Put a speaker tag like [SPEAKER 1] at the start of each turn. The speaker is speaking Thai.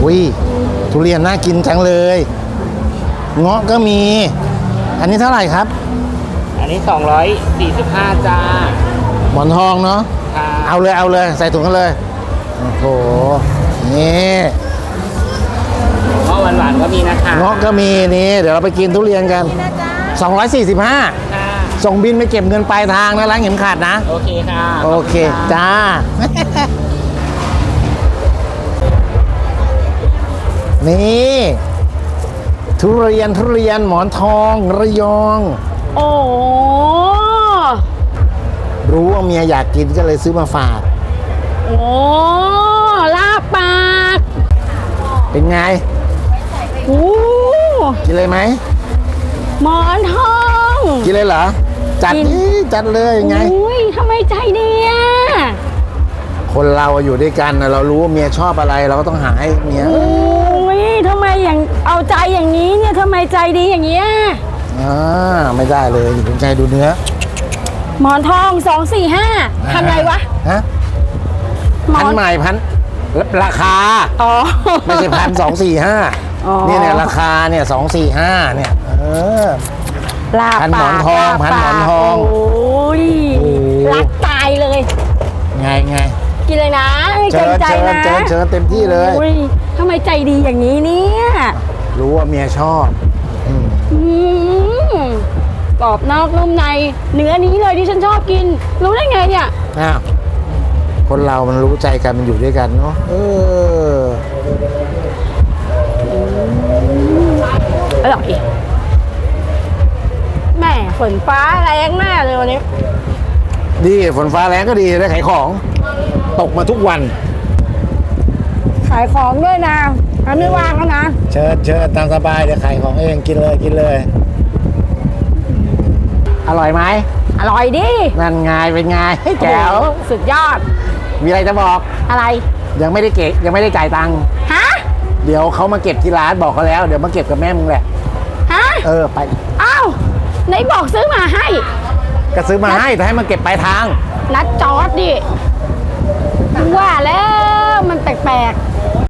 [SPEAKER 1] ยทุเรียนน่ากินจังเลยเงาะก็มี อันนี้เท่าไหร่ครับ
[SPEAKER 2] อันนี้245จ้า
[SPEAKER 1] หมอนทองเนาะ
[SPEAKER 2] ค่ะ
[SPEAKER 1] เอาเลยใส่ถุงกันเลยโอ้โหนี่
[SPEAKER 2] เงาะหวานๆก็มีนะคะ
[SPEAKER 1] เงาะก็มีนี่เดี๋ยวเราไปกินทุเรียนกัน245
[SPEAKER 2] ค่ะ
[SPEAKER 1] ส่งบินไปเก็บเงินปลายทางนะร้านเข็มขัดนะ
[SPEAKER 2] โอเคค่ะ
[SPEAKER 1] โอเค
[SPEAKER 2] ขบณะ
[SPEAKER 1] จ้า นี่ทุเรียนหมอนทองระยอง
[SPEAKER 3] โอ้
[SPEAKER 1] รู้ว่าเมียอยากกินก็เลยซื้อมาฝาก
[SPEAKER 3] โอ้ลาบปาก
[SPEAKER 1] เป็นไง
[SPEAKER 3] โอ้
[SPEAKER 1] กินเลยไหม
[SPEAKER 3] หมอนทอง
[SPEAKER 1] กินเลยเหรอ จัด
[SPEAKER 3] กิน
[SPEAKER 1] ดิจัดเลยยังไง
[SPEAKER 3] อุ้ยทำไมใจดีอ่ะ
[SPEAKER 1] คนเราอยู่ด้วยกันน่ะเรารู้ว่าเมียชอบอะไรเราก็ต้องหาให้เมีย
[SPEAKER 3] อุ้ยทำไมอย่างเอาใจอย่างนี้เนี่ยทำไมใจดีอย่างเงี้ย
[SPEAKER 1] ไม่ได้เลยอยู่เป็นใจดูเนื้อ
[SPEAKER 3] หมอนทอง245ทำไรวะ
[SPEAKER 1] ฮะ
[SPEAKER 3] หม
[SPEAKER 1] พั
[SPEAKER 3] อน น
[SPEAKER 1] ใหม่พันราคา
[SPEAKER 3] อ๋อ
[SPEAKER 1] ไม่ใช่1,245
[SPEAKER 3] อ๋อ
[SPEAKER 1] เนี่ยราคาเนี่ย245เนี่ย
[SPEAKER 3] ลาบ
[SPEAKER 1] พันหมอน
[SPEAKER 3] ปาก
[SPEAKER 1] ทอง
[SPEAKER 3] ลาบ
[SPEAKER 1] พันหมอน
[SPEAKER 3] ปาก
[SPEAKER 1] ทอง
[SPEAKER 3] โอ้ย
[SPEAKER 1] โอ้
[SPEAKER 3] รักตายเลย
[SPEAKER 1] ไง
[SPEAKER 3] กินเลยนะไม่
[SPEAKER 1] เชิ
[SPEAKER 3] เกรง
[SPEAKER 1] ญ
[SPEAKER 3] ใจ
[SPEAKER 1] เชิญ
[SPEAKER 3] นะ
[SPEAKER 1] เชิญเต็มที่เลย
[SPEAKER 3] โอ้ทำไมใจดีอย่างนี้เนี่ย
[SPEAKER 1] รู้ว่าเมียชอบอืม
[SPEAKER 3] อืมกรอบนอกนุ่มในเนื้อนี้เลยที่ฉันชอบกิน รู้ได้ไงเนี่ย
[SPEAKER 1] อ้าวคนเรามันรู้ใจกันมันอยู่ด้วยกันเนาะ
[SPEAKER 3] อร่อยแม่ฝนฟ้าแรงมากเลยวันนี้
[SPEAKER 1] ดีฝนฟ้าแรงก็ดีได้ขายของตกมาทุกวัน
[SPEAKER 3] ขายของด้วยนะอันไม่ว่างแล้วนะ
[SPEAKER 1] เชิญตามสบายเดี๋ยวขายของเองกินเลยอร่อยไหม
[SPEAKER 3] อร่อยดิ
[SPEAKER 1] นั่นไงเป็นไงแจ๋ว
[SPEAKER 3] โอ้โหสุดยอด
[SPEAKER 1] มีอะไรจะบอก
[SPEAKER 3] อะไร
[SPEAKER 1] ยังไม่ได้จ่ายตังค์
[SPEAKER 3] ฮะ
[SPEAKER 1] เดี๋ยวเขามาเก็บที่ร้านบอกเขาแล้วเดี๋ยวมาเก็บกับแม่มึงแหละ
[SPEAKER 3] ฮะ
[SPEAKER 1] ไป
[SPEAKER 3] อ้าวไหนบอกซื้อมาให้
[SPEAKER 1] ก็ซื้อมาให้แต่ให้มาเก็บปลายทาง
[SPEAKER 3] นัดจอดดิว่าแล้วมันแปลกๆ